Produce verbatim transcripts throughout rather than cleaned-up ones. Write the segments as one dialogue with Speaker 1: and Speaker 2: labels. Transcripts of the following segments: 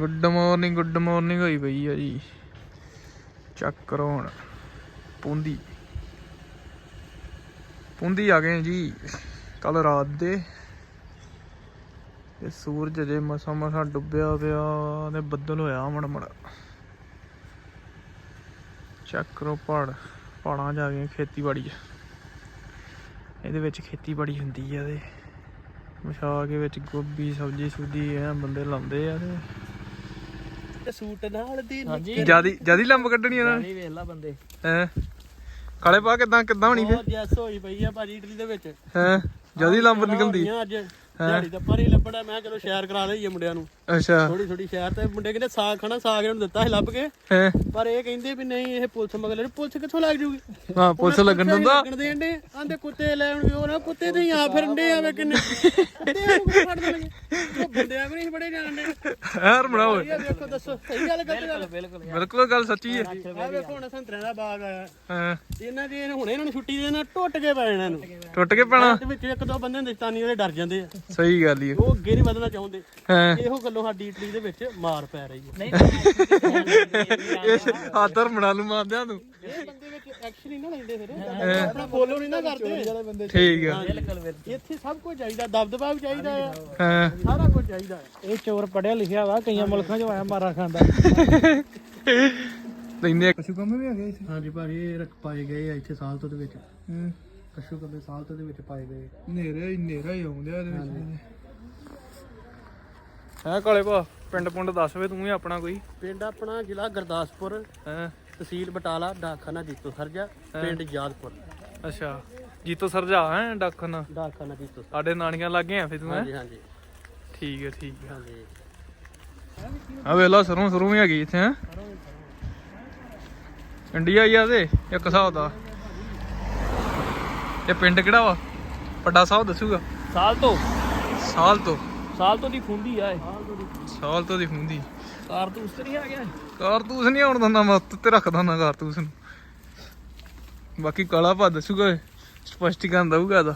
Speaker 1: Good morning good morning हुई पई है जी। चेक करो हुण पूंदी पूंदी आ गए जी कल रात दे। ते सूरज अजे मसा मसा डुब्बिया पिया ते बदल होया मड़ मड़। चेक करो पहाड़ पहाड़ां च आ गए खेतीबाड़ी। ਇਹਦੇ ਵਿੱਚ ਖੇਤੀਬਾੜੀ ਹੁੰਦੀ ਆ ਤੇ ਵਿਛਾ ਕੇ ਵਿੱਚ ਗੋਭੀ ਸਬਜ਼ੀ ਸੁਬਜ਼ੀ ਐ ਬੰਦੇ ਲਾਉਂਦੇ ਆ ਤੇ
Speaker 2: ਸੂਟ ਨਾਲ ਦੀ
Speaker 1: ਜਿਆਦੀ ਜਿਆਦੀ ਲੰਬ ਕੱਢਣੀ ਇਹਨਾਂ ਨੇ।
Speaker 2: ਵੇਖ ਲੈ ਬੰਦੇ
Speaker 1: ਹੈ ਕਾਲੇ ਪਾ ਕਿਦਾਂ ਕਿਦਾਂ ਹੋਣੀ ਫੇ
Speaker 2: ਜੈਸ ਹੋਈ ਪਈ ਆ ਭਾਜੀ ਇਟਲੀ ਦੇ ਵਿੱਚ।
Speaker 1: ਹੈ ਜਿਆਦੀ ਲੰਬ ਨਿਕਲਦੀ
Speaker 2: ਅੱਜ ਦਿਹਾੜੀ ਤਾਂ ਪਰ ਹੀ ਲੱਭਣਾ। ਮੈਂ ਚਲੋ ਸ਼ੇਅਰ ਕਰਾ ਲਈਏ ਮੁੰਡਿਆਂ ਨੂੰ।
Speaker 1: ਅੱਛਾ
Speaker 2: ਥੋੜੀ ਥੋੜੀ ਸ਼ੇਅਰ ਤੇ ਮੁੰਡੇ ਕਹਿੰਦੇ ਸਾਗ ਖਾਣਾ ਸਾਗ ਇਹਨੂੰ ਦਿੱਤਾ ਸੀ ਲੱਭ ਕੇ।
Speaker 1: ਹੈ
Speaker 2: ਪਰ ਇਹ ਕਹਿੰਦੇ ਵੀ ਨਹੀਂ ਇਹ ਪੁਲਿਸ ਮਗਰ ਪੁਲਿਸ ਕਿੱਥੋਂ ਲੱਗ ਜੂਗੀ।
Speaker 1: ਹਾਂ ਪੁਲਿਸ ਲੱਗਣ ਦਿੰਦਾ
Speaker 2: ਲੱਗਣ ਦੇਂਦੇ ਆਂਦੇ ਕੁੱਤੇ ਲੈਣ ਵੀ ਉਹ ਨਾ ਕੁੱਤੇ ਤੇ ਹੀ ਆ ਫਿਰਦੇ ਆਵੇ ਕਿੰਨੇ ਫੜ ਦੇਣਗੇ। ਉਹ ਬੰਦਿਆਂ ਵੀ ਨਹੀਂ ਬੜੇ ਜਾਣਦੇ
Speaker 1: ਯਾਰ ਬਣਾਓ।
Speaker 2: ਦੇਖੋ ਦੱਸੋ ਸਹੀ ਗੱਲ ਕਰਦੇ ਗੱਲ। ਬਿਲਕੁਲ
Speaker 1: ਬਿਲਕੁਲ ਗੱਲ ਸੱਚੀ ਹੈ।
Speaker 2: ਆ ਵੇਖੋ ਹੁਣ ਸੰਤਰਿਆਂ ਦਾ ਬਾਗ ਆਇਆ।
Speaker 1: ਹਾਂ
Speaker 2: ਇਹਨਾਂ ਦੀ ਹੁਣੇ ਇਹਨਾਂ ਨੂੰ ਛੁੱਟੀ ਦੇ ਨਾਲ ਟੁੱਟ ਕੇ ਪੈ ਜਾਣਾ ਇਹਨੂੰ।
Speaker 1: ਟੁੱਟ ਕੇ ਪੈਣਾ
Speaker 2: ਵਿੱਚ ਇੱਕ ਦੋ ਬੰਦੇ ਹਿੰਦੁਸਤਾਨੀ ਉਹਦੇ ਡਰ ਜਾਂਦੇ ਆ।
Speaker 1: ਸਹੀ ਗੱਲ ਹੀ
Speaker 2: ਉਹ ਅੱਗੇ ਨਹੀਂ ਵਧਣਾ ਚਾਹੁੰਦੇ।
Speaker 1: ਹਾਂ
Speaker 2: ਇਹੋ ਗੱਲੋਂ ਸਾਡੀ ਇਟਲੀ ਦੇ ਵਿੱਚ ਮਾਰ ਪੈ ਰਹੀ ਹੈ।
Speaker 1: ਆਦਰ ਬਣਾ ਲੂ ਮਾਰਦਿਆਂ ਤੂੰ।
Speaker 2: ਇਹ ਬੰਦੇ ਵਿੱਚ ਐਕਸ਼ਨ ਨਹੀਂ ਨਾ ਲੈਂਦੇ ਫਿਰ ਆਪਣਾ ਫੋਲੋ ਨਹੀਂ ਨਾ ਕਰਦੇ।
Speaker 1: ਠੀਕ ਆ
Speaker 2: ਇੱਥੇ ਸਭ ਕੁਝ ਚਾਹੀਦਾ ਦਬਦਬਾ ਵੀ ਚਾਹੀਦਾ ਆ।
Speaker 1: ਹਾਂ
Speaker 2: ਸਾਰਾ ਕੁਝ ਚਾਹੀਦਾ। ਇਹ ਚੋਰ ਪੜਿਆ ਲਿਖਿਆ ਵਾ ਕਈਆਂ ਮੁਲਕਾਂ 'ਚ ਆਇਆ ਮਾਰਾ ਖਾਂਦਾ।
Speaker 1: ਲੈਂਦੇ ਕਸ਼ੂ ਕੰਮ ਵੀ ਆ ਗਏ ਇੱਥੇ।
Speaker 2: ਹਾਂਜੀ ਭਾਜੀ ਇਹ ਰੱਖ ਪਾਏ ਗਏ ਆ ਇੱਥੇ ਸਾਲ ਤੋਂ ਦੇ ਵਿੱਚ। ਕਸ਼ੂ ਕੰਮੇ ਸਾਲ ਤੋਂ ਦੇ ਵਿੱਚ ਪਾਏ ਗਏ।
Speaker 1: ਹਨੇਰਾ ਹੀ ਹਨੇਰਾ ਹੀ ਆਉਂਦਿਆ ਇਹਦੇ ਵਿੱਚ। ਹੈ ਕਾਲੇ ਭਾ ਪਿੰਡ ਪੁੰਡ ਦੱਸ ਵੇ ਤੂੰ ਹੀ ਆਪਣਾ ਕੋਈ।
Speaker 2: ਪਿੰਡ ਆਪਣਾ ਜ਼ਿਲ੍ਹਾ ਗੁਰਦਾਸਪੁਰ,
Speaker 1: ਹੈ
Speaker 2: ਤਹਿਸੀਲ ਬਟਾਲਾ, ਡਾਕਖਾਨਾ ਜੀਤੋ ਸਰਜਾ, ਪਿੰਡ ਯਾਦਪੁਰ।
Speaker 1: ਅੱਛਾ ਜੀਤੋ ਸਰਜਾ ਹੈ ਡਾਕਖਾਨਾ।
Speaker 2: ਡਾਕਖਾਨਾ ਜੀਤੋ
Speaker 1: ਸਾਡੇ ਨਾਨੀਆਂ ਲੱਗੇ ਆ ਫੇ ਤੂੰ।
Speaker 2: ਹਾਂਜੀ ਹਾਂਜੀ
Speaker 1: ਠੀਕ ਹੈ ਠੀਕ ਹੈ।
Speaker 2: ਹਾਂਜੀ
Speaker 1: ਆ ਵੇਲਾ ਸਰੋਂ ਸਰੋਂ ਵੀ ਹੈਗੀ ਇੱਥੇ। ਹੈ ਇੰਡੀਆ ਹੀ ਆ ਤੇ ਇੱਕ ਹਿਸਾਬ ਦਾ। ਇਹ ਪਿੰਡ ਕਿਹੜਾ ਵਾ ਵੱਡਾ ਸਾਹਿਬ ਦੱਸੂਗਾ।
Speaker 2: ਸਾਲ ਤੋਂ
Speaker 1: ਸਾਲ ਤੋਂ
Speaker 2: ਸਾਲ ਤੋਂ ਦੀ ਖੁੰਦੀ ਆ ਇਹ।
Speaker 1: ਸਾਲ ਤੋਂ ਦੀ ਹੁੰਦੀ
Speaker 2: ਕਾਰਤੂਸ ਤੇ ਨਹੀਂ ਆ ਗਿਆ।
Speaker 1: ਕਾਰਤੂਸ ਨਹੀਂ ਆਉਣ ਦਿੰਦਾ ਮੈਂ ਉੱਤੇ ਰੱਖਦਾ ਨਾ ਕਾਰਤੂਸ ਨੂੰ। ਬਾਕੀ ਕਾਲਾ ਭਾ ਦੱਸੂਗਾ ਸਪਸ਼ਟੀਕਰਨ ਦਊਗਾ ਇਹਦਾ।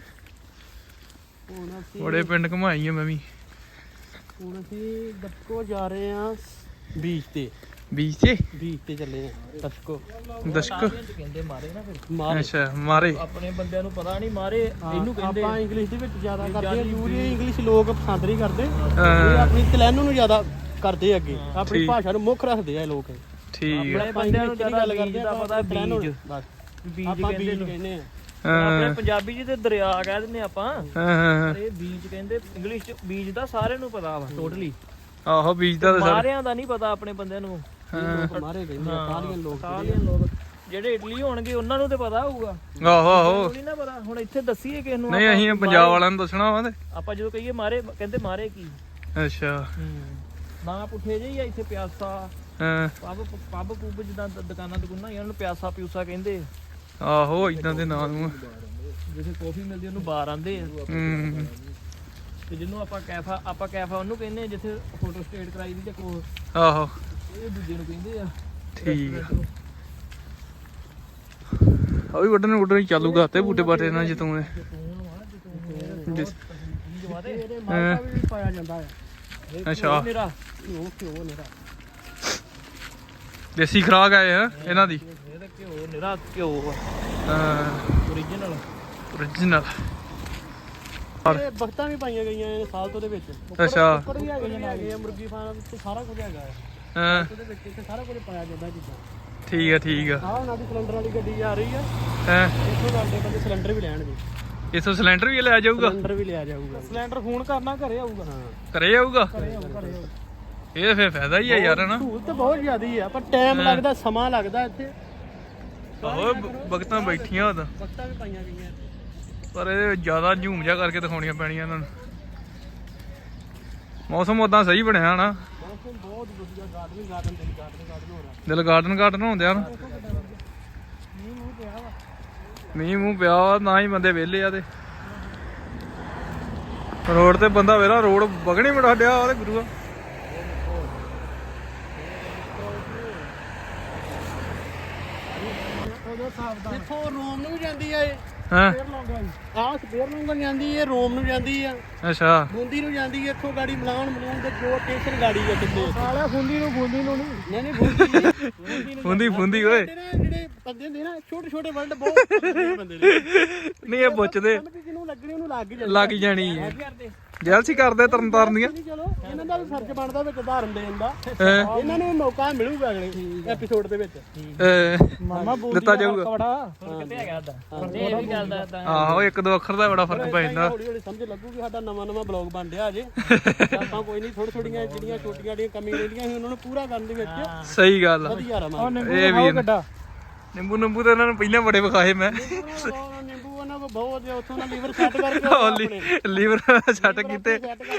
Speaker 2: ਹੁਣ ਅਸੀਂ
Speaker 1: ਬੜੇ ਪਿੰਡ ਘੁਮਾਈ ਆ ਮੈਂ ਵੀ।
Speaker 2: ਹੁਣ ਅਸੀਂ ਦਸਕੋ ਜਾ ਰਹੇ ਆ ਬੀਚ ਤੇ।
Speaker 1: ਬੀਚ ਤੇ
Speaker 2: ਬੀਚ ਤੇ ਚੱਲੇ ਆ ਦਸਕੋ।
Speaker 1: ਦਸ਼ਕ
Speaker 2: ਕਹਿੰਦੇ ਮਾਰੇ ਨਾ ਫਿਰ ਮਾਰੇ।
Speaker 1: ਅੱਛਾ ਮਾਰੇ
Speaker 2: ਆਪਣੇ ਬੰਦਿਆਂ ਨੂੰ ਪਤਾ ਨਹੀਂ ਮਾਰੇ ਇਹਨੂੰ ਕਹਿੰਦੇ। ਆਪਾਂ ਇੰਗਲਿਸ਼ ਦੇ ਵਿੱਚ ਜ਼ਿਆਦਾ ਕਰਦੇ ਆ। ਯੂਰੀ ਇੰਗਲਿਸ਼ ਲੋਕ ਪਸੰਦ ਨਹੀਂ ਕਰਦੇ। ਇਹ ਆਪਣੀ ਤਲੈਨੋ ਨੂੰ ਜ਼ਿਆਦਾ ਕਰਦੇ ਅੱਗੇ। ਆਪਣੀ ਭਾਸ਼ਾ ਨੂੰ ਮੁੱਖ ਰੱਖਦੇ ਆ ਲੋਕ।
Speaker 1: ਠੀਕ
Speaker 2: ਆਪਣੇ ਬੰਦਿਆਂ ਨੂੰ ਜ਼ਿਆਦਾ ਗੱਲ ਕਰਦੇ ਆ ਪਤਾ ਬੀਜ ਬਸ ਬੀਜ ਕਹਿੰਦੇ ਆ। ਆਪਣੇ ਪੰਜਾਬੀ ਚ ਤੇ ਦਰਿਆ ਕਹਿ ਦਿੰਦੇ ਆਪਾਂ।
Speaker 1: ਹਾਂ
Speaker 2: ਇਹ ਬੀਜ ਕਹਿੰਦੇ ਇੰਗਲਿਸ਼ ਚ। ਬੀਜ ਦਾ ਸਾਰਿਆਂ ਨੂੰ ਪਤਾ ਵਾ ਟੋਟਲੀ।
Speaker 1: ਆਹੋ ਬੀਜ ਦਾ
Speaker 2: ਮਾਰਿਆਂ ਦਾ ਨਹੀਂ ਪਤਾ ਆਪਣੇ ਬੰਦਿਆਂ ਨੂੰ। ਮਾਰੇ ਕਹਿੰਦੇ ਆ ਇਟਾਲੀਅਨ ਲੋਕ। ਇਟਾਲੀਅਨ ਲੋਕ ਜਿਹੜੇ ਇਟਲੀ ਹੋਣਗੇ ਉਹਨਾਂ ਨੂੰ ਤੇ ਪਤਾ ਹੋਊਗਾ।
Speaker 1: ਆਹੋ ਆਹੋ
Speaker 2: ਨਹੀਂ ਨਾ ਪਤਾ। ਹੁਣ ਇੱਥੇ ਦੱਸੀਏ ਕਿਸ ਨੂੰ।
Speaker 1: ਨਹੀਂ ਅਸੀਂ ਪੰਜਾਬ ਵਾਲਿਆਂ ਨੂੰ ਦੱਸਣਾ ਵਾ ਤੇ
Speaker 2: ਆਪਾਂ ਜਦੋਂ ਕਹੀਏ ਮਾਰੇ ਕਹਿੰਦੇ ਮਾਰੇ ਕੀ।
Speaker 1: ਅੱਛਾ
Speaker 2: ਨਾ ਪੁੱਠੇ ਜਿਹੀ ਆ ਇੱਥੇ ਪਿਆਸਾ।
Speaker 1: ਹਾਂ
Speaker 2: ਪੱਬ ਪੱਬ ਪੁੱਬ ਜਿੱਦਾਂ ਦੁਕਾਨਾਂ ਦੁਕਾਨਾਂ ਇਹਨਾਂ ਨੂੰ ਪਿਆਸਾ ਪਿਊਸਾ ਕਹਿੰਦੇ।
Speaker 1: ਆਹੋ ਇਦਾਂ ਦੇ ਨਾਂ ਨੂੰ।
Speaker 2: ਜਿੱਥੇ ਕਾਫੀ ਮਿਲਦੀ ਉਹਨੂੰ ਬਾਰ ਆਂਦੇ ਆ।
Speaker 1: ਹੂੰ
Speaker 2: ਤੇ ਜਿਹਨੂੰ ਆਪਾਂ ਕੈਫਾ ਆਪਾਂ ਕੈਫਾ ਉਹਨੂੰ ਕਹਿੰਦੇ ਜਿੱਥੇ ਫੋਟੋ ਸਟੇਟ ਕਰਾਈ ਦੀ ਜਾਂ ਕੋ।
Speaker 1: ਆਹੋ
Speaker 2: ਇਹ ਦੂਜੇ ਨੂੰ ਕਹਿੰਦੇ ਆ।
Speaker 1: ਠੀਕ ਆ ਆ ਵੀ ਵੱਢਣ ਵੱਢਣ ਚਾਲੂਗਾ ਤੇ ਬੂਟੇ ਬਾਟੇ ਨਾਲ ਜਿੱਤੋਂ ਨੇ।
Speaker 2: ਪਾਇਆ ਜਾਂਦਾ ਹੈ।
Speaker 1: ਅੱਛਾ
Speaker 2: ਮੇਰਾ ਘਿਓ ਘਿਓ ਮੇਰਾ
Speaker 1: ਦੇਸੀ ਖੁਰਾਕ ਆ ਇਹ ਇਹਨਾਂ ਦੀ।
Speaker 2: ਇਹਦਾ ਘਿਓ ਨਿਰਾ ਘਿਓ
Speaker 1: ਹਾਂ
Speaker 2: ਓਰੀਜਨਲ
Speaker 1: ਓਰੀਜਨਲ।
Speaker 2: ਇਹ ਬਖਤਾਂ ਵੀ ਪਾਈਆਂ ਗਈਆਂ ਨੇ ਸਾਲ ਤੋਂ ਦੇ ਵਿੱਚ।
Speaker 1: ਅੱਛਾ
Speaker 2: ਉੱਪਰ ਵੀ ਹੈਗੇ ਆ ਮੁਰਗੀ ਫਾਰਮ ਤੇ ਸਾਰਾ ਕੁਝ ਹੈਗਾ ਹੈ।
Speaker 1: ਹਾਂ
Speaker 2: ਉਹਦੇ ਵਿੱਚ ਇੱਥੇ ਸਾਰਾ ਕੁਝ ਪਾਇਆ ਜਾਂਦਾ ਜਿੱਦਾਂ।
Speaker 1: ਠੀਕ ਆ ਠੀਕ ਆ।
Speaker 2: ਆਹ ਉਹਨਾਂ ਦੀ ਸਿਲੰਡਰ ਵਾਲੀ ਗੱਡੀ ਜਾ ਰਹੀ ਆ।
Speaker 1: ਹਾਂ
Speaker 2: ਇੱਥੋਂ ਸਾਡੇ ਬੰਦੇ ਸਿਲੰਡਰ ਵੀ ਲੈਣਗੇ।
Speaker 1: ਇਥੋਂ ਸਿਲੰਡਰ ਵੀ ਲਿਆ ਜਾਊਗਾ।
Speaker 2: ਸਿਲੰਡਰ ਵੀ ਲਿਆ ਜਾਊਗਾ। ਸਿਲੰਡਰ ਫੋਨ ਕਰਨਾ ਘਰੇ ਆਊਗਾ। ਹਾਂ
Speaker 1: ਘਰੇ ਆਊਗਾ।
Speaker 2: ਘਰੇ ਆਊਗਾ ਘਰੇ ਆਊਗਾ।
Speaker 1: ਇਹ ਫੇਰ ਫਾਇਦਾ ਹੀ ਆ ਯਾਰ ਨਾ।
Speaker 2: ਸਹੂਲਤ ਬਹੁਤ ਜ਼ਿਆਦੀ ਆ ਪਰ ਟਾਈਮ ਲੱਗਦਾ ਸਮਾਂ ਲੱਗਦਾ ਇੱਥੇ।
Speaker 1: ਆਹੋ ਬਗਤਾਂ ਬੈਠੀਆਂ ਉਹਦਾ
Speaker 2: ਬਖਤਾਂ ਵੀ ਪਾਈਆਂ ਗਈਆਂ
Speaker 1: ਪਰ ਇਹ ਜ਼ਿਆਦਾ ਝੂਮ ਜਾ ਕਰਕੇ ਦਿਖਾਉਣੀਆਂ ਪੈਣੀਆਂ ਇਹਨਾਂ ਨੂੰ। ਮੌਸਮ ਉਦਾਂ ਸਹੀ ਬਣਿਆ ਨਾ।
Speaker 2: ਮੌਸਮ ਬਹੁਤ ਵਧੀਆ। ਗਾਰਡਨ ਗਾਰਡਨ ਦਿਲ ਗਾਰਡਨ ਗਾਰਡਨ ਹੋ ਰਿਹਾ।
Speaker 1: ਦਿਲ ਗਾਰਡਨ ਗਾਰਡਨ ਹੁੰਦੇ ਆ ਨਾ।
Speaker 2: ਮੀਂਹ ਮੂੰਹ ਪਿਆ ਵਾ।
Speaker 1: ਮੀਂਹ ਮੂੰਹ ਪਿਆ ਵਾ ਨਾ ਹੀ ਬੰਦੇ ਵਿਹਲੇ ਆ ਤੇ ਰੋਡ ਤੇ ਬੰਦਾ ਵੇਲਾ ਰੋਡ ਵਗਣੀ ਬੜਾ ਡਿਆ ਉਹਦੇ ਗੁਰੂਆ।
Speaker 2: ਦੇਖੋ ਰੋਮ ਨੂੰ ਵੀ ਜਾਂਦੀ ਆ ਇਹ।
Speaker 1: ਹਾਂ
Speaker 2: ਆਹ ਸਪੇਅਰ ਨੂੰ ਜਾਂਦੀ ਹੈ, ਰੋਮ ਨੂੰ ਜਾਂਦੀ ਆ,
Speaker 1: ਅੱਛਾ
Speaker 2: ਬੂੰਦੀ ਨੂੰ ਜਾਂਦੀ ਹੈ, ਇੱਥੋਂ ਗਾੜੀ ਮਲਾਉਣ ਮਲੂਣ ਦੇ ਜੋ ਸਟੇਸ਼ਨ ਗਾੜੀ ਆ ਕਿੱਥੇ ਸਾਲਾ ਫੁੰਦੀ ਨੂੰ ਬੂੰਦੀ ਨੂੰ ਨਹੀਂ ਨਹੀਂ ਬੂੰਦੀ
Speaker 1: ਫੁੰਦੀ ਫੁੰਦੀ ਓਏ
Speaker 2: ਜਿਹੜੇ ਬੰਦੇ ਹੁੰਦੇ ਨਾ ਛੋਟੇ ਛੋਟੇ ਵਰਡ ਬਹੁਤ ਬੰਦੇ ਨੇ
Speaker 1: ਨਹੀਂ ਇਹ ਪੁੱਛਦੇ
Speaker 2: ਜਿਹਨੂੰ ਲੱਗਣੀ ਉਹਨੂੰ ਲੱਗ ਹੀ
Speaker 1: ਲੱਗ ਜਾਣੀ ਹੈ ਜੈਲਸੀ ਕਰਦੇ ਤਰਨ ਤਾਰਨ ਦੀਆਂ
Speaker 2: ਚਲੋ ਇਹਨਾਂ ਦਾ ਵੀ ਫਰਜ਼ ਬਣਦਾ ਵਿੱਚ ਉਦਾਹਰਨ ਦੇਣ ਦਾ ਇਹਨਾਂ ਨੂੰ ਮੌਕਾ ਮਿਲੂਗਾ ਅਗਲੇ ਐਪੀਸੋਡ ਦੇ ਵਿੱਚ ਮਾਮਾ ਬੋਲ
Speaker 1: ਦਿੱਤਾ ਜਾਊਗਾ
Speaker 2: ਕਿੱਥੇ ਹੈਗਾ ਦਾ ਇਹ ਵੀ ਗੱਲ ਦਾ
Speaker 1: ਆਹੋ ਇੱਕ ਦੋ ਅੱਖਰ ਦਾ ਬੜਾ ਫਰਕ ਪੈ ਜਾਂਦਾ
Speaker 2: ਹੌਲੀ ਹੌਲੀ ਸਮਝ ਲੱਗੂਗੀ ਸਾਡਾ ਨਵਾਂ ਨਵਾਂ ਬਲੌਗ ਬਣ ਰਿਹਾ ਅਜੇ ਆਪਾਂ ਕੋਈ ਨਹੀਂ ਥੋੜੀ ਥੋੜੀਆਂ ਜਿਹੜੀਆਂ ਛੋਟੀਆਂ ਜਿਹੜੀਆਂ ਕਮੀਆਂ ਰਹਿੰਦੀਆਂ ਸੀ ਉਹਨਾਂ ਨੂੰ ਪੂਰਾ ਕਰਨ ਦੇ ਵਿੱਚ
Speaker 1: ਸਹੀ ਗੱਲ ਆ
Speaker 2: ਵਧੀਆ ਰਵਾਂਗੇ
Speaker 1: ਇਹ ਵੀ ਨਿੰਬੂ ਨਿੰਬੂ ਤਾਂ ਇਹਨਾਂ ਨੂੰ ਪਹਿਲਾਂ ਬੜੇ ਵਿਖਾਏ ਮੈਂ
Speaker 2: ਨਿੰਬੂ ਉਹਨਾਂ ਕੋ ਬਹੁਤ ਉੱਥੋਂ ਦਾ ਲੀਵਰ ਸੈੱਟ ਕਰਕੇ
Speaker 1: ਲੀਵਰ ਸੈੱਟ ਕੀਤੇ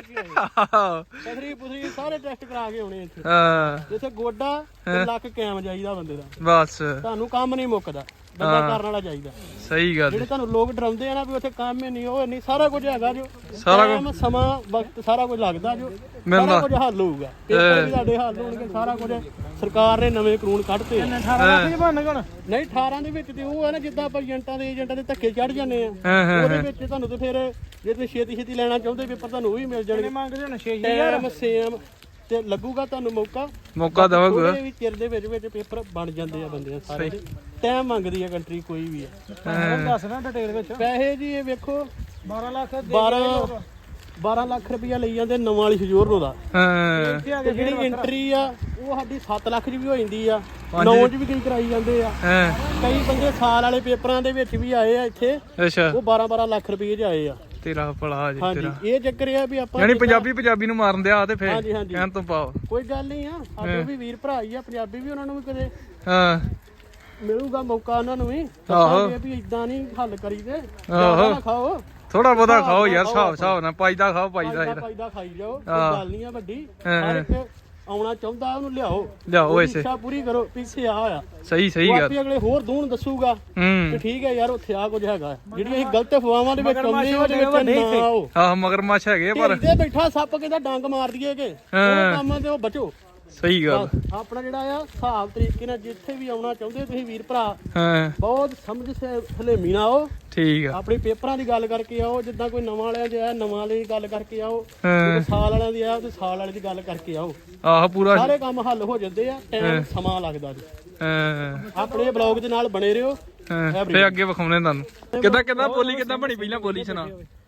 Speaker 2: ਪਥਰੀ ਪੁਥਰੀ ਸਾਰੇ ਟੈਸਟ ਕਰਾ ਕੇ ਆਉਣੇ ਇੱਥੇ
Speaker 1: ਹਾਂ
Speaker 2: ਜਿੱਥੇ ਗੋਡਾ ਤੇ ਲੱਕ ਕਾਇਮ ਚਾਹੀਦਾ ਬੰਦੇ ਦਾ
Speaker 1: ਬਸ
Speaker 2: ਤੁਹਾਨੂੰ ਕੰਮ ਨਹੀਂ ਮੁੱਕਦਾ ਬੰਦਾ ਕਰਨ ਵਾਲਾ ਚਾਹੀਦਾ
Speaker 1: ਸਹੀ ਗੱਲ
Speaker 2: ਜਿਹੜੇ ਤੁਹਾਨੂੰ ਲੋਕ ਡਰਾਉਂਦੇ ਆ ਨਾ ਵੀ ਉੱਥੇ ਕੰਮ ਹੀ ਨਹੀਂ ਉਹ ਨਹੀਂ ਸਾਰਾ ਕੁਝ ਹੈਗਾ ਜੋ
Speaker 1: ਸਾਰਾ
Speaker 2: ਕੁਝ ਸਮਾਂ ਵਕਤ ਸਾਰਾ ਕੁਝ ਲੱਗਦਾ ਜੋ ਸਾਰਾ ਕੁਝ ਹੱਲ ਹੋਊਗਾ ਪੇਪਰ ਵੀ ਤੁਹਾਡੇ ਹੱਲ ਹੋਣਗੇ ਸਾਰਾ ਕੁਝ ਸਰਕਾਰ ਨੇ ਨਵੇਂ ਕਾਨੂੰਨ ਕੱਢਤੇ ਅਠਾਰਾਂ ਲੱਖ ਬਣ ਗਣ ਨਹੀਂ ਅਠਾਰਾਂ ਦੇ ਵਿੱਚ ਤੇ ਉਹ ਹੈ ਨਾ ਜਿੱਦਾਂ ਆਪਾਂ ਏਜੰਟਾਂ ਦੇ ਏਜੰਟਾਂ ਦੇ ਧੱਕੇ ਚੜ ਜਾਂਦੇ ਆ ਉਹਦੇ ਵਿੱਚ ਤੁਹਾਨੂੰ ਤੇ ਫਿਰ ਜੇ ਤੁਸੀਂ ਛੇਤੀ ਛੇਤੀ ਲੈਣਾ ਚਾਹੁੰਦੇ ਪੇਪਰ ਤੁਹਾਨੂੰ ਉਹ ਵੀ ਮਿਲ ਜਾਣਗੇ ਮੰਗਦੇ ਹੁਣ ਛੇ ਹਜ਼ਾਰ ਸੇਮ ਤੇ ਲੱਗੂਗਾ ਤੁਹਾਨੂੰ ਮੌਕਾ
Speaker 1: ਮੌਕਾ ਦਵਾਂਗਾ
Speaker 2: ਵੀ ਚਿਰ ਦੇ ਵਿੱਚ ਵਿੱਚ ਪੇਪਰ ਬਣ ਜਾਂਦੇ ਆ ਬੰਦੇ ਸਾਰੇ ਟਾਈਮ ਮੰਗਦੀ ਆ ਕੰਟਰੀ ਕੋਈ ਵੀ ਆ ਦੱਸਣਾ ਡਿਟੇਲ ਵਿੱਚ ਪੈਸੇ ਜੀ ਇਹ ਵੇਖੋ ਬਾਰਾਂ ਲੱਖ ਬਾਰਾਂ ਬਾਰਾਂ ਲੱਖ ਰੁਪਇਆ ਲਈ ਜਾਂਦੇ ਨਵਾਂ ਵਾਲੀ ਸਜੋਰ ਦਾ
Speaker 1: ਹਾਂ
Speaker 2: ਤੇ ਜਿਹੜੀ ਐਂਟਰੀ ਆ ਉਹ ਸਾਡੀ ਸੱਤ ਲੱਖ ਚ ਵੀ ਹੋ ਜਾਂਦੀ ਆ ਨੌ ਚ ਵੀ ਕਈ ਕਰਾਈ ਜਾਂਦੇ ਆ
Speaker 1: ਹਾਂ
Speaker 2: ਕਈ ਬੰਦੇ ਸਾਲ ਵਾਲੇ ਪੇਪਰਾਂ ਦੇ ਵਿੱਚ ਵੀ ਆਏ ਆ ਇੱਥੇ
Speaker 1: ਅੱਛਾ
Speaker 2: ਉਹ ਬਾਰਾਂ ਬਾਰਾਂ ਲੱਖ ਰੁਪਏ ਚ ਆਏ ਆ
Speaker 1: ਤੇਰਾ ਭਲਾ ਜੀ
Speaker 2: ਹਾਂਜੀ ਇਹ ਚੱਕਰ ਆ ਵੀ ਆਪਾਂ
Speaker 1: ਯਾਨੀ ਪੰਜਾਬੀ ਪੰਜਾਬੀ ਨੂੰ ਮਾਰਨ ਦਿਆ ਤੇ ਫੇਰ
Speaker 2: ਹਾਂਜੀ ਹਾਂਜੀ
Speaker 1: ਕਹਿਣ ਤੋਂ ਪਾਓ
Speaker 2: ਕੋਈ ਗੱਲ ਨਹੀਂ ਆ ਸਾਡੇ ਵੀ ਵੀਰ ਭਰਾ ਹੀ ਆ ਪੰਜਾਬੀ ਵੀ ਉਹਨਾਂ ਨੂੰ ਵੀ ਕਦੇ
Speaker 1: ਹਾਂ
Speaker 2: ਮਿਲੂਗਾ ਮੌਕਾ ਉਹਨਾਂ ਨੂੰ ਵੀ
Speaker 1: ਆਹੋ
Speaker 2: ਵੀ ਇਦਾਂ ਨਹੀਂ ਹੱਲ ਕਰੀਦੇ
Speaker 1: ਆਹੋ
Speaker 2: ਜ਼ਿਆਦਾ ਨਾ ਖਾਓ
Speaker 1: ਥੋੜਾ ਬਹੁਤਾ ਖਾਓ ਯਾਰ ਹਿਸਾਬ ਹਿਸਾਬ ਨਾਲ ਪਾਈਦਾ ਖਾਓ ਪਾਈਦਾ ਯਾਰ
Speaker 2: ਪਾਈਦਾ ਖਾਈ ਜਾਓ ਕੋਈ ਗੱਲ ਨਹੀਂ ਆ ਵੱਡੀ ਹਰ ਇੱਕ ਆਉਣਾ ਚਾਹੁੰਦਾ ਉਹਨੂੰ ਲਿਆਓ
Speaker 1: ਲਿਆਓ ਐਸੇ
Speaker 2: ਇੱਛਾ ਪੂਰੀ ਕਰੋ ਪਿੱਛੇ ਆ ਹੋਇਆ
Speaker 1: ਸਹੀ ਸਹੀ ਗੱਲ
Speaker 2: ਆਪੇ ਅਗਲੇ ਹੋਰ ਦੂਣ ਦੱਸੂਗਾ
Speaker 1: ਹੂੰ
Speaker 2: ਤੇ ਠੀਕ ਹੈ ਯਾਰ ਉੱਥੇ ਆ ਕੁਝ ਹੈਗਾ ਜਿਹੜੀ ਅਸੀਂ ਗਲਤ ਅਫਵਾਹਾਂ ਦੇ ਵਿੱਚ ਆਉਂਦੇ ਉਹਦੇ ਵਿੱਚ ਨਾ ਆਓ
Speaker 1: ਆਹ ਮਗਰਮੱਛ ਹੈਗੇ ਪਰ
Speaker 2: ਇੱਥੇ ਬੈਠਾ ਸੱਪ ਕਹਿੰਦਾ ਡੰਗ ਮਾਰ ਦਈਏ ਕਿ ਉਹ ਕੰਮ ਤੇ ਉਹ ਬਚੋ
Speaker 1: ਸਹੀ ਗੱਲ
Speaker 2: ਆਪਣਾ ਜਿਹੜਾ ਆ ਹਿਸਾਬ ਤਰੀਕੇ ਨਾਲ ਜਿੱਥੇ ਵੀ ਆਉਣਾ ਚਾਹੁੰਦੇ ਤੁਸੀਂ ਵੀਰ ਭਰਾ
Speaker 1: ਹਾਂ
Speaker 2: ਬਹੁਤ ਸਮਝ ਹਲੇਮੀ ਨਾਲ ਆਓ
Speaker 1: ਠੀਕ ਆ
Speaker 2: ਆਪਣੇ ਪੇਪਰਾਂ ਦੀ ਗੱਲ ਕਰਕੇ ਆਓ ਜਿੱਦਾਂ ਕੋਈ ਨਵਾਂ ਵਾਲਿਆਂ ਦੀ ਆ ਨਵਾਂ ਵਾਲੇ ਦੀ ਗੱਲ ਕਰਕੇ ਆਓ
Speaker 1: ਹਾਂ
Speaker 2: ਸਾਲ ਵਾਲਿਆਂ ਦੀ ਆ ਤੇ ਸਾਲ ਵਾਲੇ ਦੀ ਗੱਲ ਕਰਕੇ ਆਓ
Speaker 1: ਆਹ ਪੂਰਾ
Speaker 2: ਸਾਰੇ ਕੰਮ ਹੱਲ ਹੋ ਜਾਂਦੇ ਆ ਟਾਈਮ ਸਮਾਂ ਲੱਗਦਾ ਜੀ
Speaker 1: ਹਾਂ
Speaker 2: ਆਪਣੇ ਬਲੌਗ ਦੇ ਨਾਲ ਬਣੇ ਰਹੋ
Speaker 1: ਹਾਂ ਫੇਰ ਅੱਗੇ ਵਿਖਾਉਣੇ ਤੁਹਾਨੂੰ ਕਿੱਦਾਂ ਕਿੱਦਾਂ ਬੋਲੀ ਕਿੱਦਾਂ ਬਣੀ ਪਹਿਲਾਂ ਬੋਲੀ ਸੁਣਾ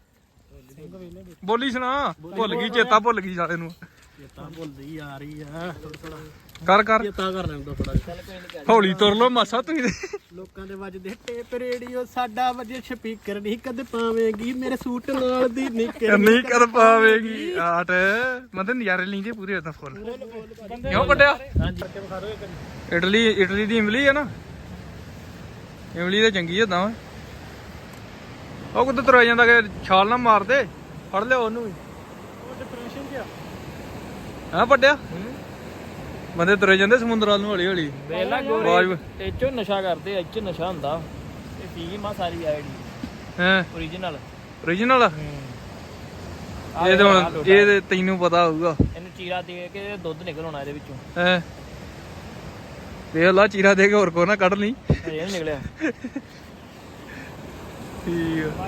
Speaker 1: ਬੋਲੀ ਸੁਣਾ ਭੁੱਲ ਗਈ ਚੇਤਾ ਭੁੱਲ ਗਈ ਸਾਲੇ ਨੂੰ
Speaker 2: ਚੇਤਾ ਭੁੱਲਦੀ ਆ ਰਹੀ ਆ ਥੋੜਾ
Speaker 1: ਕਰ ਕਰ
Speaker 2: ਚੇਤਾ ਕਰ ਲੈਂਦਾ ਥੋੜਾ
Speaker 1: ਹੌਲੀ ਤੁਰ ਲੋ ਮਾਸਾ ਤੁਸੀਂ
Speaker 2: ਲੋਕਾਂ ਦੇ ਵੱਜਦੇ ਟੇਪ ਰੇਡੀਓ ਸਾਡਾ ਵਜੇ ਸਪੀਕਰ ਨਹੀਂ ਕਦ ਪਾਵੇਂਗੀ ਮੇਰੇ ਸੂਟ ਨਾਲ ਦੀ ਨਿੱਕਰ
Speaker 1: ਨਹੀਂ ਕਰ ਪਾਵੇਗੀ ਆਟ ਮਤਲਬ ਨਜ਼ਾਰੇ ਲੈਂਦੇ ਪੂਰੇ ਉਦਾਂ ਫੁੱਲ ਕਿਉਂ ਕੱਢਿਆ ਇਟਲੀ ਇਟਲੀ ਦੀ ਇਮਲੀ ਹੈ ਨਾ ਇਮਲੀ ਤਾਂ ਚੰਗੀ ਏਦਾਂ ਓਏ ਉਹ ਕਿੱਦਾਂ ਤੁਰਿਆ ਜਾਂਦਾ ਕਿ ਛਾਲ ਨਾ ਮਾਰ ਦੇ ਫੜ ਲਿਓ ਉਹਨੂੰ ਵੀ
Speaker 2: ਉਹ ਡਿਪਰੈਸ਼ਨ ਚ ਆ
Speaker 1: ਹਾਂ ਵੱਡਿਆ ਬੰਦੇ ਤੁਰੇ ਜਾਂਦੇ ਸਮੁੰਦਰ ਵੱਲ ਨੂੰ ਹੌਲੀ ਹੌਲੀ
Speaker 3: ਵੇਲਾ ਗੋਰੇ ਤੇ ਚੋ ਨਸ਼ਾ ਕਰਦੇ ਇੱਚ ਨਸ਼ਾ ਹੁੰਦਾ ਇਹ ਪੀ ਮਾ ਸਾਰੀ ਆਈਡੀ
Speaker 1: ਹਾਂ
Speaker 3: ਓਰੀਜਨਲ
Speaker 1: ਓਰੀਜਨਲ ਇਹ ਤਾਂ ਹੁਣ ਇਹ ਤੇ ਤੈਨੂੰ ਪਤਾ ਹੋਊਗਾ
Speaker 3: ਇਹਨੂੰ ਚੀਰਾ ਦੇ ਕੇ ਦੁੱਧ ਨਿਕਲ ਆਉਣਾ ਇਹਦੇ ਵਿੱਚੋਂ
Speaker 1: ਹੈ ਵੇਖ ਲਾ ਚੀਰਾ ਦੇ ਕੇ ਹੋਰ ਕੋ ਨਾ ਕੱਢ ਲਈ
Speaker 3: ਇਹ ਨਹੀਂ ਨਿਕਲਿਆ
Speaker 1: ਠੀਕ ਆ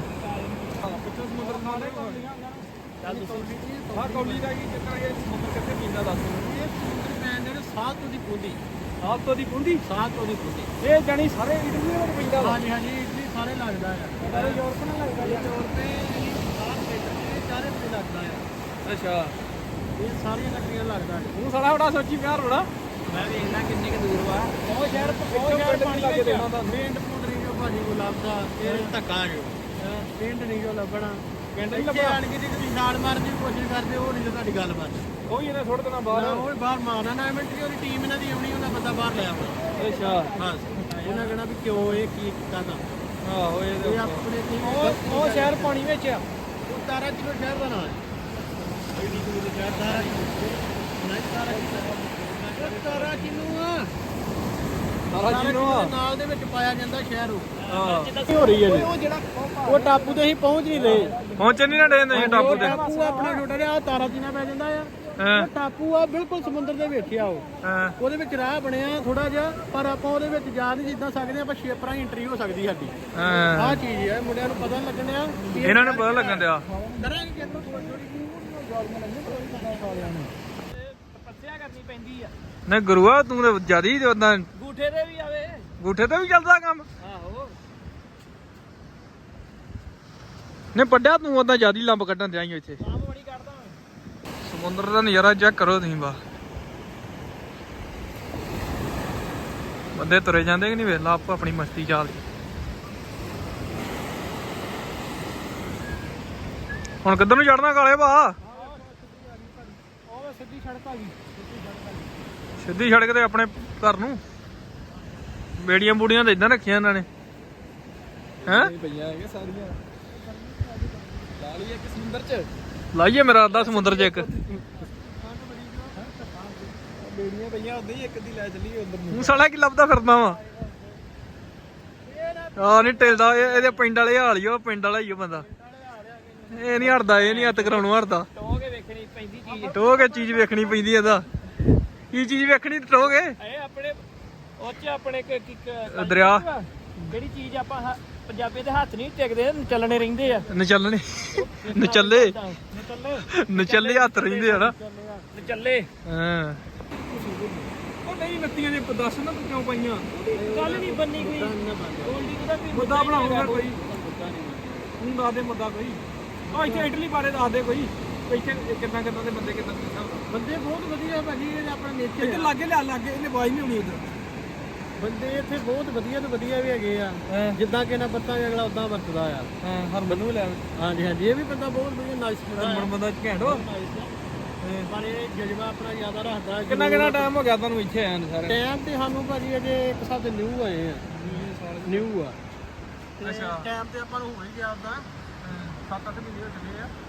Speaker 3: ਆਹ ਕੌਲੀ ਦਾ ਕੀ ਚੱਕਰ ਹੈ ਸਮੁੰਦਰ ਕਿੱਥੇ ਪੀਂਦਾ ਦੱਸ
Speaker 2: ਇਹ ਸਮੁੰਦਰ ਪੈਂਦੇ ਨੇ ਸਾਹ ਤੋਂ ਦੀ ਪੁੰਦੀ
Speaker 3: ਆਪ ਤੋਂ ਦੀ ਪੁੰਦੀ
Speaker 2: ਸਾਹ ਤੋਂ ਦੀ ਪੁੰਦੀ
Speaker 3: ਇਹ ਜਾਨੀ ਸਾਰੇ ਇਟਲੀ ਵਿੱਚ ਪੈਂਦਾ ਵਾ
Speaker 2: ਹਾਂਜੀ ਹਾਂਜੀ ਇਟਲੀ ਸਾਰੇ ਲੱਗਦਾ ਹੈ
Speaker 3: ਸਾਰੇ ਯੂਰਪ ਨਾਲ ਲੱਗਦਾ
Speaker 2: ਯੂਰਪ ਤੇ ਸਾਰ ਤੇ ਚਾਰੇ ਤੇ ਲੱਗਦਾ ਹੈ
Speaker 3: ਅੱਛਾ
Speaker 2: ਇਹ ਸਾਰੀਆਂ ਕੰਟਰੀਆਂ ਲੱਗਦਾ ਹੈ
Speaker 3: ਤੂੰ ਸਾਲਾ ਬੜਾ ਸੋਚੀ ਪਿਆ ਰੋੜਾ ਮੈਂ ਵੇਖਣਾ ਕਿੰਨੇ ਕਿ ਦੂਰ ਵਾ
Speaker 2: ਉਹ ਸ਼ਹਿਰ ਉਹ ਸ਼ਹਿਰ ਪਾਣੀ ਲੱਗੇ ਦੇਣਾ ਤਾਂ ਪਿੰਡ ਪੁੰਡ ਨਹੀਂ ਜੋ ਭਾਜੀ ਕੋ ਲੱਭਦਾ ਇਹ ਧੱਕਾ ਜੋ ਪਿੰਡ ਨਹੀਂ ਜੋ ਲੱਭਣਾ ਪਿੰਡ ਨਹੀਂ ਲੱਭਣਾ ਆਣ ਕੇ ਜੇ ਤੁਸੀਂ ਛਾਲ ਮਾਰਨ ਦੀ ਕੋਸ਼ਿਸ਼ ਕਰਦੇ ਉਹ ਨਹੀਂ ਤੁਹਾਡੀ ਗੱਲ ਬਣ
Speaker 3: ਉਹ ਹੀ ਇਹਨੇ ਥੋੜੇ ਦਿਨਾਂ ਬਾਅਦ
Speaker 2: ਉਹ ਬਾਹਰ ਮਾਰਨਾ ਨਾ ਮਿੰਟਰੀ ਉਹਦੀ ਟੀਮ ਇਹਨਾਂ ਦੀ ਆਉਣੀ ਉਹਨਾਂ ਬੰਦਾ ਬਾਹਰ ਲੈ ਆਉਣਾ
Speaker 3: ਅੱਛਾ
Speaker 2: ਬਸ ਉਹਨਾਂ ਕਹਿਣਾ ਵੀ ਕਿਉਂ ਇਹ ਕੀ ਕੀਤਾ ਤਾਂ
Speaker 3: ਆਹੋ ਇਹ
Speaker 2: ਇਹ ਆਪਣੇ ਕੀ
Speaker 3: ਉਹ ਉਹ ਸ਼ਹਿਰ ਪਾਣੀ ਵਿੱਚ ਆ
Speaker 2: ਉਹ ਤਾਰਾ ਕਿਲੋ ਸ਼ਹਿਰ ਦਾ ਨਾਮ ਹੈ ਐਡੀ ਦੂਰ ਸ਼ਹਿਰ ਤਾਰਾ ਨਹੀਂ ਤਾਰਾ ਕਿਲੋ ਤਾਰਾ ਕਿਲੋ ਆ
Speaker 3: ਸਾਰਾ ਜਿਹਨੂੰ ਆ
Speaker 2: ਨਾਲ ਦੇ ਵਿੱਚ ਪਾਇਆ ਜਾਂਦਾ ਸ਼ਹਿਰ ਉਹ
Speaker 3: ਹਾਂ
Speaker 2: ਹੋ ਰਹੀ ਹੈ ਉਹ ਜਿਹੜਾ ਉਹ ਟਾਪੂ ਤੇ ਅਸੀਂ ਪਹੁੰਚ ਨਹੀਂ ਰਹੇ
Speaker 1: ਪਹੁੰਚ ਨਹੀਂ ਨਾ ਡੇ ਤੁਸੀਂ ਟਾਪੂ ਤੇ
Speaker 2: ਟਾਪੂ ਆਪਣਾ ਛੋਟਾ ਜਿਹਾ ਤਾਰਾ ਜੀਨਾ ਪੈ ਜਾਂਦਾ ਆ
Speaker 1: ਹਾਂ
Speaker 2: ਉਹ ਟਾਪੂ ਆ ਬਿਲਕੁਲ ਸਮੁੰਦਰ ਦੇ ਵਿੱਚ ਆ ਉਹ
Speaker 1: ਹਾਂ
Speaker 2: ਉਹਦੇ ਵਿੱਚ ਰਾਹ ਬਣਿਆ ਥੋੜਾ ਜਿਹਾ ਪਰ ਆਪਾਂ ਉਹਦੇ ਵਿੱਚ ਜਾ ਨਹੀਂ ਜਿੱਦਾਂ ਸਕਦੇ ਆਪਾਂ ਛੇਪਰਾਂ ਹੀ ਐਂਟਰੀ ਹੋ ਸਕਦੀ ਸਾਡੀ
Speaker 1: ਹਾਂ
Speaker 2: ਆਹ ਚੀਜ਼ ਹੈ ਮੁੰਡਿਆਂ ਨੂੰ ਪਤਾ ਨੀ ਲੱਗਣ ਆ ਕਿ ਇਹ
Speaker 1: ਇਹਨਾਂ ਨੂੰ ਪਤਾ ਲੱਗਣ ਦਿਆ
Speaker 2: ਕਰਾਂਗੇ ਕਿ ਆਪਾਂ ਥੋੜੀ
Speaker 3: ਤਪੱਸਿਆ ਕਰਨੀ ਪੈਂਦੀ ਆ
Speaker 1: ਨਹੀਂ ਗੁਰੂਆ ਤੂੰ ਤੇ ਜਿਆਦੀ ਉਦਾਂ
Speaker 3: ਗੂਠੇ ਤੇ ਵੀ ਆਵੇ
Speaker 1: ਗੂਠੇ ਤੇ ਵੀ ਚੱਲਦਾ ਕੰਮ
Speaker 3: ਆਹੋ
Speaker 1: ਨਹੀਂ ਪੱਡਿਆ ਤੂੰ ਉਦਾਂ ਜਿਆਦੀ ਲੰਬ ਕੱਢਣ ਦਿਆਂ ਇੱਥੇ
Speaker 3: ਕੰਮ ਬੜੀ ਕੱਢਦਾ ਮੈਂ
Speaker 1: ਸਮੁੰਦਰ ਦਾ ਨਜ਼ਾਰਾ ਚੈੱਕ ਕਰੋ ਤੁਸੀਂ ਬਾ ਬੰਦੇ ਤੁਰੇ ਜਾਂਦੇ ਕਿ ਨਹੀਂ ਵੇਖ ਲਾ ਆਪੋ ਆਪਣੀ ਮਸਤੀ ਚੱਲਦੀ ਹੁਣ ਕਿੱਧਰ ਨੂੰ ਚੜਨਾ ਕਾਲੇ ਭਾ
Speaker 2: ਉਹ ਸਿੱਧੀ ਸੜਕ ਆ ਗਈ
Speaker 1: ਸਿੱਧੀ ਸੜਕ ਤੇ ਆਪਣੇ ਘਰ ਨੂੰ ਬੇੜੀਆਂ ਬੂੜੀਆਂ ਤਾਂ ਇਦਾਂ ਰੱਖੀਆਂ ਇਹਨਾਂ ਨੇ ਹੈਂ
Speaker 3: ਪਈਆਂ ਹੈਗੇ ਸਾਰੀਆਂ ਲਾ ਲਈ ਇੱਕ ਸਮੁੰਦਰ ਚ
Speaker 1: ਲਾਈਏ ਮੇਰਾ ਅੱਧਾ ਸਮੁੰਦਰ 'ਚ ਇੱਕ
Speaker 3: ਬੇੜੀਆਂ ਪਈਆਂ ਉਦਾਂ ਹੀ ਇੱਕ ਦੀ ਲੈ ਚੱਲੀਏ ਉਧਰ ਨੂੰ
Speaker 1: ਤੂੰ ਸਾਲਾ ਕੀ ਲੱਭਦਾ ਫਿਰਦਾ ਵਾ ਆ ਨਹੀਂ ਟਿਲਦਾ ਇਹ- ਇਹਦੇ ਪਿੰਡ ਵਾਲੇ ਹਾਲ ਹੀ ਆ, ਉਹ ਪਿੰਡ ਵਾਲਾ ਹੀ ਆ ਬੰਦਾ ਇਹ ਨਹੀਂ ਹਟਦਾ ਇਹ ਨਹੀਂ ਹੱਥ ਕਰਾਉਣੋਂ ਹਟਦਾ
Speaker 3: ਟੋ ਕੇ ਵੇਖਣੀ ਪੈਂਦੀ ਚੀਜ਼
Speaker 1: ਟੋਹ ਕੇ ਚੀਜ਼ ਵੇਖਣੀ ਪੈਂਦੀ ਇਹਦਾ ਕੀ ਚੀਜ਼ ਵੇਖਣੀ ਟੋਹ ਕੇ
Speaker 3: ਇਹ ਆਪਣੇ ਉਹ ਚ ਆਪਣੇ ਕ- ਕ- ਕ-
Speaker 1: ਦਰਿਆ
Speaker 3: ਜਿਹੜੀ ਚੀਜ਼ ਆਪਾਂ ਹ- ਪੰਜਾਬੀ ਦੇ ਹੱਥ ਨਹੀਂ ਟਿਕਦੇ ਚੱਲਣੇ ਰਹਿੰਦੇ ਆ
Speaker 1: ਨਚੱਲਣੇ ਨਚੱਲੇ
Speaker 3: ਨਚੱਲੇ
Speaker 1: ਨਚੱਲੇ ਹੱਥ ਰਹਿੰਦੇ ਆ ਨਾ
Speaker 3: ਨਚੱਲੇ
Speaker 1: ਹਾਂ
Speaker 3: ਉਹ ਨਹੀਂ ਨੱਤੀਆਂ ਦੇ ਦੱਸ ਨਾ ਤੂੰ ਕਿਉਂ ਪਾਈਆਂ ਗੱਲ ਨਹੀਂ ਬੰਨੀ ਕੋਈ ਗੋਲਡੀ ਦਾ ਵੀ
Speaker 1: ਮੁੱਦਾ ਬਣਾਓ ਫਿਰ ਕੋਈ ਤੂੰ ਦੱਸ ਦੇ ਮੁੱਦਾ ਕੋਈ ਆ ਇੱਥੇ ਇਟਲੀ ਬਾਰੇ ਦੱਸ ਦੇ ਕੋਈ ਇੱਥੇ ਕਿੰਨਾ ਕਿੰਨਾ ਦੇ ਬੰਦੇ ਕਿੰਨਾ ਕਿੰਨਾ
Speaker 2: ਬੰਦੇ ਬਹੁਤ ਵਧੀਆ ਭਾਜੀ ਇਹ ਆਪਣਾ ਨੇਚਰ
Speaker 1: ਇੱਥੇ ਲਾਗੇ ਲਿਆ ਲਾਗੇ ਇਹਨੇ ਆਵਾਜ਼ ਨਹੀਂ ਆਉਣੀ ਉਧਰ
Speaker 2: ਬੰਦੇ ਇੱਥੇ ਬਹੁਤ ਵਧੀਆ ਤੋਂ ਵਧੀਆ ਵੀ ਹੈਗੇ ਆ ਜਿੱਦਾਂ ਕਿ ਨਾ ਬੱਤਾਂ ਅਗਲਾ ਉਦਾਂ ਵਰਤਦਾ ਆ
Speaker 1: ਹਾਂ ਹਰਮਨ ਨੂੰ ਲੈ
Speaker 2: ਹਾਂਜੀ ਹਾਂਜੀ ਇਹ ਵੀ ਬੰਦਾ ਬਹੁਤ ਵਧੀਆ ਨਾਈਸ ਬੰਦਾ
Speaker 1: ਹਰਮਨ ਬੰਦਾ ਘੈਂਟ ਵਾ
Speaker 2: ਪਰ ਇਹ ਜਜ਼ਬਾ ਆਪਣਾ ਜ਼ਿਆਦਾ ਰੱਖਦਾ
Speaker 1: ਕਿੰਨਾ ਕਿੰਨਾ ਟਾਈਮ ਹੋ ਗਿਆ ਤੁਹਾਨੂੰ ਇੱਥੇ ਆਇਆ ਨੂੰ ਸਾਰੇ
Speaker 2: ਟਾਈਮ ਤੇ ਸਾਨੂੰ ਭਾਜੀ ਅਜੇ ਇੱਕ ਹਿਸਾਬ ਦੇ ਨਿਊ ਆਏ ਆ ਨਿਊ ਆ
Speaker 1: ਅੱਛਾ
Speaker 2: ਟਾਈਮ ਤੇ ਆਪਾਂ ਨੂੰ ਹੋ ਹੀ ਗਿਆ ਉਦਾਂ ਸੱਤ ਅੱਠ ਮਹੀਨੇ ਹੋ ਚੱਲੇ ਆ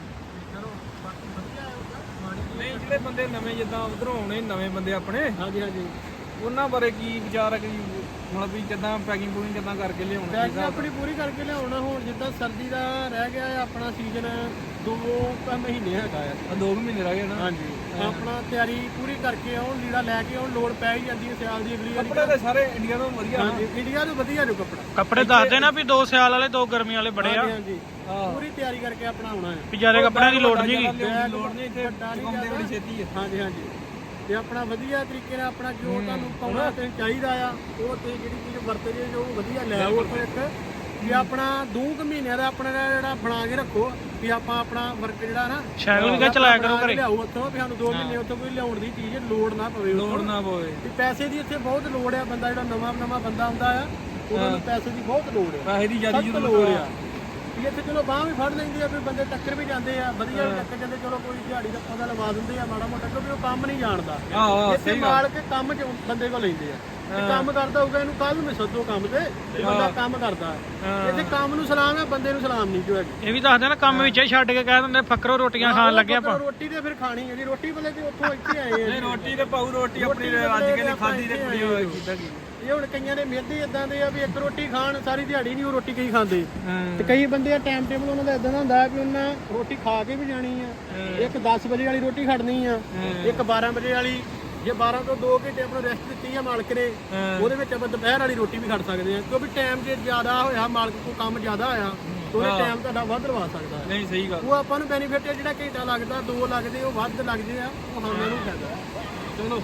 Speaker 2: ਚਲੋ ਬਾਕੀ ਵਧੀਆ ਹੈ ਉਹਦਾ
Speaker 1: ਨਹੀਂ ਜਿਹੜੇ ਬੰਦੇ ਨਵੇਂ ਜਿੱਦਾਂ ਉਧਰੋਂ ਆਉਣੇ ਨਵੇਂ ਬੰਦੇ ਆਪਣੇ
Speaker 2: ਹਾਂਜੀ ਹਾਂਜੀ
Speaker 1: ਉਹਨਾਂ ਬਾਰੇ ਕੀ ਵਿਚਾਰ ਹੈ ਕਿ ਮਤਲਬ ਵੀ ਕਿੱਦਾਂ ਪੈਕਿੰਗ ਪੂਕਿੰਗ ਕਿੱਦਾਂ ਕਰਕੇ ਲਿਆਉਣਾ
Speaker 2: ਪੈਕਿੰਗ ਆਪਣੀ ਪੂਰੀ ਕਰਕੇ ਲਿਆਉਣਾ ਹੁਣ ਜਿੱਦਾਂ ਸਰਦੀ ਦਾ ਰਹਿ ਗਿਆ ਹੈ ਆਪਣਾ ਸੀਜ਼ਨ ਦੋ ਕੁ ਮਹੀਨੇ ਹੈਗਾ ਆ
Speaker 1: ਦੋ ਕੁ ਮਹੀਨੇ ਰਹਿ ਗਏ ਨਾ
Speaker 2: ਹਾਂਜੀ ਆਪਣਾ ਤਿਆਰੀ ਪੂਰੀ ਕਰਕੇ ਆਉਣ ਲੀੜਾ ਲੈ ਕੇ ਆਉਣ ਲੋੜ ਪੈ ਹੀ ਜਾਂਦੀ ਹੈ ਸਿਆਲ ਦੀ ਅਗਲੀ ਵਾਰੀ
Speaker 1: ਕੱਪੜੇ ਤਾਂ ਸਾਰੇ ਇੰਡੀਆ ਤੋਂ ਵਧੀਆ
Speaker 2: ਹਾਂਜੀ ਇੰਡੀਆ ਤੋਂ ਵਧੀਆ ਜੋ ਕੱਪੜਾ
Speaker 1: ਕੱਪੜੇ ਦੱਸਦੇ ਨਾ ਵੀ ਦੋ ਸਿਆਲ ਵਾਲੇ ਦੋ ਗਰਮੀ ਵਾਲੇ ਬੜੇ ਆ
Speaker 2: ਹਾਂਜੀ ਪੂਰੀ ਤਿਆਰੀ ਕਰਕੇ ਆਪਣਾ ਆਉਣਾ ਹੈ
Speaker 1: ਵਿਚਾਰੇ ਕੱਪੜਿਆਂ ਦੀ ਲੋੜ ਨਹੀਂ ਹੈਗੀ
Speaker 2: ਲੋੜ ਨਹੀਂ ਇੱਥੇ
Speaker 1: ਕੰਮਦੇ ਬੜੀ ਛੇਤੀ ਹੈ
Speaker 2: ਹਾਂਜੀ ਹਾਂਜੀ ਤੇ ਆਪਣਾ ਵਧੀਆ ਤਰੀਕੇ ਨਾਲ ਆਪਣਾ ਜੋ ਤੁਹਾਨੂੰ ਪਾਉਣਾ ਤੇ ਚਾਹੀਦਾ ਆ ਉਹ ਤੇ ਜਿਹੜੀ ਚੀਜ਼ ਵਰਤਦੇ ਜੋ ਵਧੀਆ ਲੈ ਆਓ ਉੱਥੋਂ ਇੱਕ ਵੀ ਆਪਣਾ ਦੋ ਕੁ ਮਹੀਨਿਆਂ ਦਾ ਆਪਣਾ ਜਿਹੜਾ ਬਣਾ ਕੇ ਰੱਖੋ ਵੀ ਆਪਾਂ ਆਪਣਾ ਵਰਕ ਜਿਹੜਾ ਨਾ
Speaker 1: ਸਾਈਕਲ ਵੀ ਚਲਾਇਆ ਕਰੋ ਘਰੇ
Speaker 2: ਲਿਆਓ ਉੱਥੋਂ ਵੀ ਸਾਨੂੰ ਦੋ ਮਹੀਨੇ ਉੱਥੋਂ ਕੋਈ ਲਿਆਉਣ ਦੀ ਚੀਜ਼ ਲੋੜ ਨਾ ਪਵੇ
Speaker 1: ਲੋੜ ਨਾ ਪਵੇ
Speaker 2: ਵੀ ਪੈਸੇ ਦੀ ਇੱਥੇ ਬਹੁਤ ਲੋੜ ਆ ਬੰਦਾ ਜਿਹੜਾ ਨਵਾਂ ਨਵਾਂ ਬੰਦਾ ਆਉਂਦਾ ਆ ਉਹਨਾਂ ਨੂੰ ਪੈਸੇ ਦੀ ਬਹੁਤ ਲੋੜ ਆ
Speaker 1: ਪੈਸੇ ਦੀ ਜ਼ਿਆਦਾ
Speaker 2: ਸਖਤ ਲੋੜ ਆ ਵੀ ਇੱਥੇ ਚਲੋ ਬਾਂਹ ਵੀ ਫੜ ਲੈਂਦੇ ਆ ਵੀ ਬੰਦੇ ਟੱਕਰ ਵੀ ਜਾਂਦੇ ਆ ਵਧੀਆ ਵੀ ਟੱਕਰ ਜਾਂਦੇ ਚਲੋ ਕੋਈ ਦਿਹਾੜੀ ਦਾ ਪੌਦਾ ਲਵਾ ਦਿੰਦੇ ਆ ਮਾੜਾ ਮੋਟਾ ਕਿਉਂਕਿ ਉਹ ਕੰਮ ਨਹੀਂ ਜਾਣਦਾ ਇੱਥੇ ਮਾਲਕ ਕੰਮ ਚ ਬੰਦੇ ਕੋਲ ਲੈਂਦੇ ਆ ਤੇ ਕੰਮ ਕਰਦਾ ਹੋਊਗਾ ਇਹਨੂੰ ਕੱਲ ਨੂੰ ਸੱਦੋ ਕੰਮ ਤੇ ਤੇ ਬੰਦਾ ਕੰਮ ਕਰਦਾ ਇੱਥੇ ਕੰਮ ਨੂੰ ਸਲਾਮ ਹੈ ਬੰਦੇ ਨੂੰ ਸਲਾਮ ਨਹੀਂ ਜੋ ਹੈਗੀ
Speaker 1: ਇਹ ਵੀ ਦੱਸਦੇ ਨਾ ਕੰਮ ਵਿੱਚ ਹੀ ਛੱਡ ਕੇ ਕਹਿ ਦਿੰਦੇ ਫੱਕਰੋ ਰੋਟੀਆਂ ਖਾਣ ਲੱਗੇ ਆਪਾਂ
Speaker 2: ਰੋਟੀ ਤੇ ਫਿਰ ਖਾਣੀ ਜਿਹੜੀ ਰੋਟੀ ਵਾਲੇ ਤੇ ਉੱਥੋਂ ਇੱਥੇ ਆਏ ਆ
Speaker 1: ਨਹੀਂ ਰੋਟੀ ਤੇ ਪਾਉ ਰੋਟੀ ਆਪਣੀ ਅੱਜ ਕੱਲ੍ਹ ਖਾਦੀ ਤੇ ਕੁੜੀ ਹੋਏ ਕੀਤਾ ਕੀ
Speaker 2: ਇਹ ਹੁਣ ਕਈਆਂ ਦੇ ਮਿਹਦੇ ਇਦਾਂ ਦੇ ਆ ਵੀ ਇੱਕ ਰੋਟੀ ਖਾਣ ਸਾਰੀ ਦਿਹਾੜੀ ਨਹੀਂ ਉਹ ਰੋਟੀ ਕਈ ਖਾਂਦੇ ਤੇ ਕਈ ਬੰਦੇ ਆ ਟਾਈਮ ਟੇਬਲ ਉਹਨਾਂ ਦਾ ਇਦਾਂ ਦਾ ਹੁੰਦਾ ਵੀ ਉਹਨਾਂ ਰੋਟੀ ਖਾ ਕੇ ਵੀ ਜਾਣੀ ਆ ਇੱਕ ਦਸ ਵਜੇ ਵਾਲੀ ਰੋਟੀ ਖੜਨੀ ਆ ਇੱਕ ਬਾਰਾਂ ਵਜੇ ਵਾਲੀ ਜੇ ਬਾਰਾਂ ਤੋਂ ਦੋ ਘੰਟੇ ਆਪਣਾ ਰੈਸਟ ਦਿੱਤੀ ਆ ਮਾਲਕ ਨੇ ਉਹਦੇ ਵਿੱਚ ਆਪਾਂ ਦੁਪਹਿਰ ਵਾਲੀ ਰੋਟੀ ਵੀ ਖੜ ਸਕਦੇ ਆ ਕਿਉਂਕਿ ਟਾਈਮ ਜੇ ਜ਼ਿਆਦਾ ਹੋਇਆ ਮਾਲਕ ਕੋਲ ਕੰਮ ਜ਼ਿਆਦਾ ਆਇਆ ਉਹਨੇ ਟਾਈਮ ਤੁਹਾਡਾ ਵੱਧ ਲਵਾ ਸਕਦਾ ਹੈ
Speaker 1: ਨਹੀਂ ਸਹੀ ਗੱਲ
Speaker 2: ਉਹ ਆਪਾਂ ਨੂੰ ਬੈਨੀਫਿਟ ਹੈ ਜਿਹੜਾ ਘੰਟਾ ਲੱਗਦਾ ਦੋ ਲੱਗਦੇ ਉਹ ਵੱਧ ਲੱਗਦੇ ਆ ਉਹ ਸਾਨੂੰ ਨੂੰ ਫਾਇਦਾ ਚਲੋ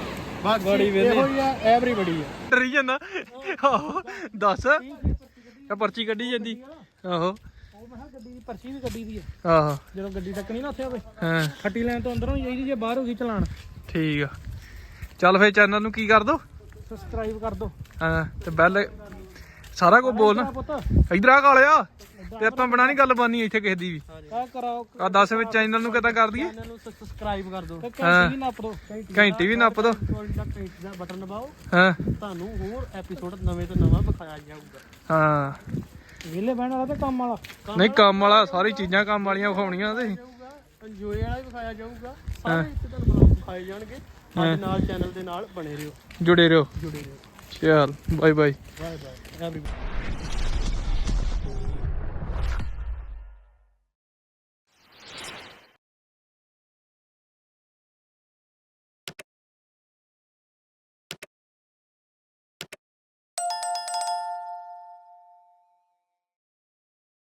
Speaker 2: ਬਸ
Speaker 1: ਬੜੀ ਵੇਲੇ
Speaker 2: ਇਹੋ ਹੀ ਆ ਐਵਰੀ ਬੜੀ ਆ
Speaker 1: ਡਰੀ ਜਾਂਦਾ ਆਹੋ ਦੱਸ ਇਹ ਪਰਚੀ ਕੱਢੀ ਜਾਂਦੀ ਆਹੋ
Speaker 2: ਉਹ ਮੈਂ ਗੱਡੀ ਦੀ ਪਰਚੀ ਵੀ ਗੱਡੀ ਦੀ ਆ
Speaker 1: ਆਹੋ
Speaker 2: ਜਦੋਂ ਗੱਡੀ ਤੱਕਣੀ ਨਾ ਉੱਥੇ ਹੋਵੇ
Speaker 1: ਹਾਂ
Speaker 2: ਖੱਟੀ ਲੈਣ ਤੋਂ ਅੰਦਰੋਂ ਜਾਈਦੀ ਜੇ ਬਾਹਰ ਹੋ ਗਈ ਚਲਾਣ
Speaker 1: ਠੀਕ ਆ ਚੱਲ ਫੇਰ ਚੈਨਲ ਨੂੰ ਕੀ ਕਰ ਦੋ
Speaker 2: ਸਬਸਕ੍ਰਾਈਬ ਕਰ ਦੋ
Speaker 1: ਹਾਂ ਤੇ ਬੈਲ ਸਾਰਾ ਕੁਝ ਬੋਲ ਨਾ
Speaker 2: ਪੁੱਤ
Speaker 1: ਇਧਰ ਆ ਕਾਲਿਆ ਤੇ ਆਪਾਂ ਬਣਾ ਨਹੀਂ ਗੱਲ ਬਾਨੀ ਇੱਥੇ ਕਿਸੇ ਦੀ ਵੀ
Speaker 2: ਆ ਕਰਾਓ
Speaker 1: ਆ ਦੱਸ ਵਿੱਚ ਚੈਨਲ ਨੂੰ ਕਿੱਦਾਂ ਕਰ ਦਈਏ
Speaker 2: ਚੈਨਲ ਨੂੰ ਸਬਸਕ੍ਰਾਈਬ ਕਰ ਦੋ
Speaker 1: ਹਾਂ।
Speaker 2: ਘੰਟੀ ਵੀ ਨੱਪ ਦੋ
Speaker 1: ਘੰਟੀ ਵੀ ਨੱਪ ਦੋ
Speaker 2: ਘੰਟੀ ਦਾ ਬਟਨ ਦਬਾਓ
Speaker 1: ਹਾਂ
Speaker 2: ਤੁਹਾਨੂੰ ਹੋਰ ਐਪੀਸੋਡ ਨਵੇਂ ਤੋਂ ਨਵਾਂ ਵਿਖਾਇਆ ਜਾਊਗਾ
Speaker 1: ਹਾਂ
Speaker 2: ਵਿਹਲੇ ਬਹਿਣ ਵਾਲਾ ਤੇ ਕੰਮ ਵਾਲਾ
Speaker 1: ਨਹੀਂ ਕੰਮ ਵਾਲਾ ਸਾਰੀ ਚੀਜ਼ਾਂ ਕੰਮ ਵਾਲੀਆਂ ਵਿਖਾਉਣੀਆਂ ਤੇ
Speaker 2: ਇੰਜੋਏ ਵਾਲਾ ਵੀ ਵਿਖਾਇਆ ਜਾਊਗਾ ਸਾਰੇ ਇੱਥੇ ਤੁਹਾਨੂੰ ਵਿਖਾਏ ਜਾਣਗੇ ਸਾਡੇ ਨਾਲ ਚੈਨਲ ਦੇ ਨਾਲ ਬਣੇ ਰਹੋ
Speaker 1: ਜੁੜੇ ਰਹੋ
Speaker 2: ਜੁੜੇ ਰਹੋ
Speaker 1: ਚੱਲ ਬਾਏ ਬਾਏ
Speaker 2: ਬਾਏ ਬਾਏ